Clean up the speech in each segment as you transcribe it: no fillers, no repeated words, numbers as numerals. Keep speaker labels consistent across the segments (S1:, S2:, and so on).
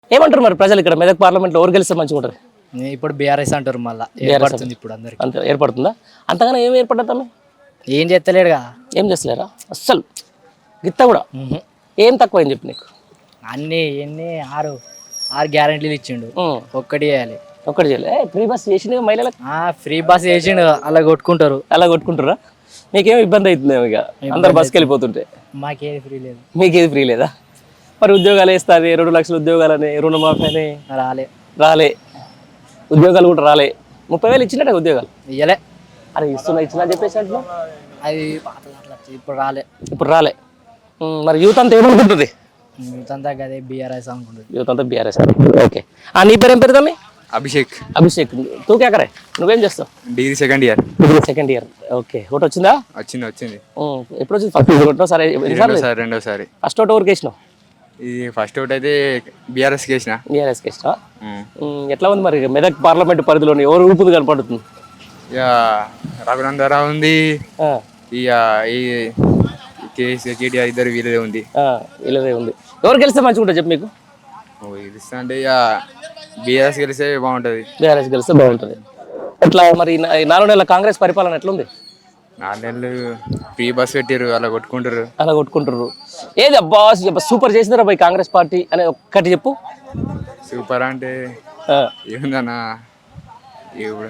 S1: ఏమంటారు మరి ప్రజలు ఇక్కడ మెదక్ పార్లమెంట్లో ఎవరు గెలిస్తే మంచిగా ఉంటుంది?
S2: ఇప్పుడు బీఆర్ఎస్ అంటారు మళ్ళీ ఏర్పడుతుంది ఇప్పుడు అందరికి.
S1: అంతే ఏర్పడుతుందా? అంతగానే ఏం ఏర్పడుతుందా?
S2: ఏం చేస్తలేడుగా.
S1: ఏం చేస్తలేరా అస్సలు? గిత్త కూడా ఏం తక్కువైంది చెప్పి నీకు?
S2: అన్నీ ఎన్ని ఆరు ఆరు గ్యారెంటీలు ఇచ్చిండు, ఒక్కటి చేయాలి.
S1: ఒక్కటి చేయలే. ఫ్రీ బస్ చేసిండు మహిళలకు.
S2: ఫ్రీ బస్ చేసిండు, అలా కొట్టుకుంటారు.
S1: అలా కొట్టుకుంటారా? మీకేం ఇబ్బంది అవుతుంది ఇక అందరు బస్కి వెళ్ళిపోతుంటే?
S2: మాకేది ఫ్రీ లేదు.
S1: మీకేది ఫ్రీ లేదా? మరి ఉద్యోగాలు వేస్తుంది 2 లక్షల ఉద్యోగాలని, రుణమాఫీ అని రాలే. ఉద్యోగాలు కూడా రాలే. 30,000 ఇచ్చినట్టే ఉద్యోగాలు
S2: ఇయ్యలే.
S1: అరే ఇచ్చినా చెప్పేసి అంటున్నా.
S2: అది ఇప్పుడు
S1: రాలే. మరి యూత్ అంతా ఏమనుకుంటుంది?
S2: యూత్ అంతా అదే బీఆర్ఎస్ అనుకుంటుంది.
S1: యూత్ అంతా బీఆర్ఎస్. ఓకే. నీ పేరు ఏం పేరు తమ్మి?
S3: అభిషేక్.
S1: తూ కేకరే. నువ్వేం చేస్తావు?
S3: Degree second year.
S1: Okay. Vote వచ్చిందా?
S3: వచ్చింది.
S1: ఎప్పుడు వచ్చింది? ఫస్ట్ సరే
S3: రెండోసారి.
S1: ఫస్ట్ ఓటు ఎవరికి వేసినావు?
S3: ఇది ఫస్ట్ ఓట్ అయితే బీఆర్ఎస్కి వేసిన.
S1: బీఆర్ఎస్కి వేసినా. ఎట్లా ఉంది మరి మెదక్ పార్లమెంట్ పరిధిలోని ఎవరు ఊపుది కనపడుతుంది?
S3: ఇక రఘునందరావు ఉంది, ఇక ఈ కేటీఆర్ ఇద్దరు వీళ్ళదే ఉంది.
S1: ఎవరు గెలిస్తే మంచిగా ఉంటుంది చెప్పు మీకు?
S3: గెలిస్తా అంటే ఇక బీఆర్ఎస్ గెలిస్తే బాగుంటుంది.
S1: బీఆర్ఎస్ గెలిస్తే బాగుంటుంది. ఎట్లా మరి 4 నెలల కాంగ్రెస్ పరిపాలన ఎట్లుంది?
S3: 4 నెలలు ఫ్రీ బస్ పెట్టారు, అలా కొట్టుకుంటారు.
S1: ఏది అబ్బా సూపర్ చేసిందిరా బై కాంగ్రెస్ పార్టీ అని ఒక్కటి చెప్పు.
S3: సూపర్ అంటే ఏముందన్నా, ఇప్పుడు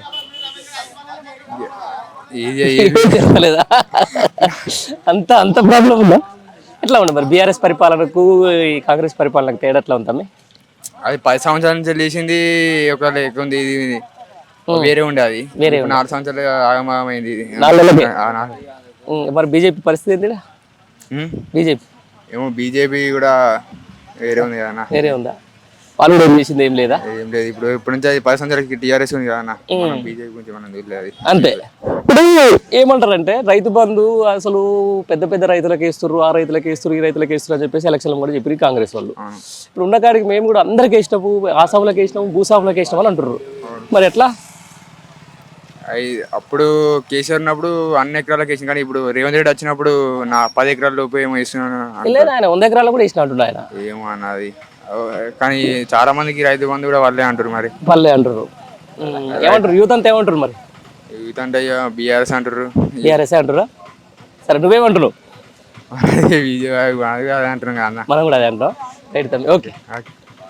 S1: చెప్పలేదా? అంత ప్రాబ్లం ఉందా? ఎట్లా ఉంది మరి బీఆర్ఎస్ పరిపాలనకు ఈ కాంగ్రెస్ పరిపాలనకు తేడా ఎట్లా ఉందా?
S3: అది 10 సంవత్సరాల నుంచి లేచింది ఒక లెక్క ఉంది, ఇది వేరే ఉండే. అది 4 సంవత్సరాలు ఆగమైంది.
S1: మరి బీజేపీ పరిస్థితి ఏంటి? బీజేపీ
S3: ఏమో బీజేపీ కూడా వేరే ఉంది కదా.
S1: వేరే ఉందా? వాళ్ళు కూడా చేసింది ఏం లేదా?
S3: ఏం లేదు. ఇప్పుడు నుంచి 10 సంవత్సరాలకి టీఆర్ఎస్ ఉంది కదా. బీజేపీ గురించి మనం తెలియదు
S1: అంతే. ఇప్పుడు ఏమంటారంటే రైతు బంధు అసలు పెద్ద రైతులకు వేస్తున్నారు, ఆ రైతులకు వేస్తున్నారు, ఈ రైతులకు వేస్తున్నారు అని చెప్పేసి ఎలక్షన్లు కూడా చెప్పి కాంగ్రెస్ వాళ్ళు. ఇప్పుడు ఉన్న కాడికి మేము కూడా అందరికి వేసినాము, ఆసాములకు వేసినాము, భూసాములకు వేసినాము అని అంటున్నారు. మరి ఎట్లా?
S3: అప్పుడు కేసీఆర్ ఉన్నప్పుడు అన్ని ఎకరాలకు వేసిన, కానీ ఇప్పుడు రేవంత్ రెడ్డి వచ్చినప్పుడు నా 10 ఎకరాల లోపు ఏమో వేస్తున్నాను.
S1: ఆయన 100 ఎకరాలు కూడా వేసిన అంటున్నారు ఆయన.
S3: ఏమో అన్నది. కానీ చాలా మందికి రైతు బంధు కూడా వాళ్ళే అంటారు. మరి
S1: వాళ్ళే అంటారు. ఏమంటారు యూత్ అంతా? ఏమంటారు మరి
S3: యూత్ అంటే బీఆర్ఎస్ అంటారు.
S1: బీఆర్ఎస్ అంటారా? సరే నువ్వేమంటున్నావు?
S3: బీజేపీ అదే అంటున్నాం కదా.
S1: మనం కూడా అదే అంటాం. రైట్ తమ్మి. ఓకే.